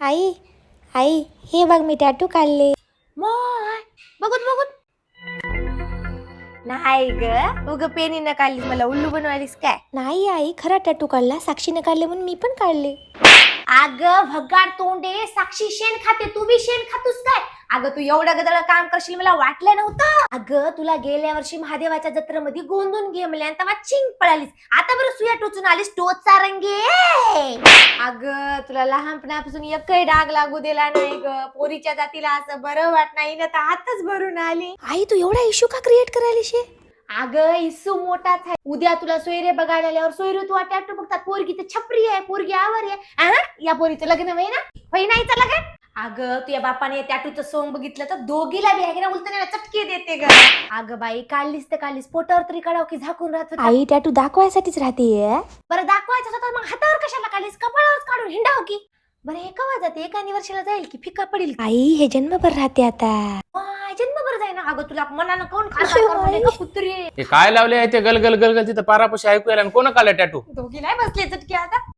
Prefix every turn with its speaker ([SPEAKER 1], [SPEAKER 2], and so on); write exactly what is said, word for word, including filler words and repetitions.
[SPEAKER 1] आई आई हे बघ मी टॅटू काढले.
[SPEAKER 2] मोय बघूत बघूत. नाही ग उग पेनीनं काढलीस मला उल्लू बनवालीस काय?
[SPEAKER 1] नाही आई खरा टॅटू काढला, साक्षीने काढले म्हणून मी पण काढले.
[SPEAKER 2] अगं भगाड तोंडे, साक्षी शेण खाते, तू बी शेण खातोस काय? अगं तू एवढं गदळ काम करशील मला वाटलं नव्हतं. अगं तुला गेल्या वर्षी महादेवाच्या जत्रेमध्ये गोंधून गेमल्या तेव्हा चिंग पळालीस. आता बरं सुया टोचून आलीस टोचा रंगे. अगं तुला लहानपणापासून एकही डाग लागू दिला नाही ग. पोरीच्या जातीला असं बरं वाट नाही ना तर हातच भरून आली.
[SPEAKER 1] आई तू एवढा इश्यू का क्रिएट करायली शे?
[SPEAKER 2] अगं इस्सू मोठाच आहे. उद्या तुला सोयरे बघायला आल्यावर सोयरे तू टॅटू बघतात. पोरगी तर छपरी आहे, पोरगी आवर आहे. अहं, या पोरीचं लग्न होई ना होई नाही तर लग्न. अगं तुझ्या बापाने टॅटूचं सोंग बघितलं तर दोघीला बी आहे उलटण्याला चटके देते ग. अगं बाई काढलीस तर काढलीस, पोटावर तरी काढाव की झाकून राहत होता?
[SPEAKER 1] आई टॅटू दाखवायसाठीच राहते.
[SPEAKER 2] बरं दाखवायचं होतं तर मग हातावर कशाला काढलीस? कपाळावर काढून हिंडाव की. बरं हे कवा जाते? एका वर्षाला जाईल की फिका पडेल?
[SPEAKER 1] आई हे जन्मभर राहते आता.
[SPEAKER 2] जन्मभर जाईना. अगं तुला मनानं कोण खाल्ला कुत्री?
[SPEAKER 3] हे काय लावले आहे ते गल गल गल गल तिथं पारापाशी ऐकू यायला कोण काढलं टॅटू?
[SPEAKER 2] दोघी नाही बसले चटके आता.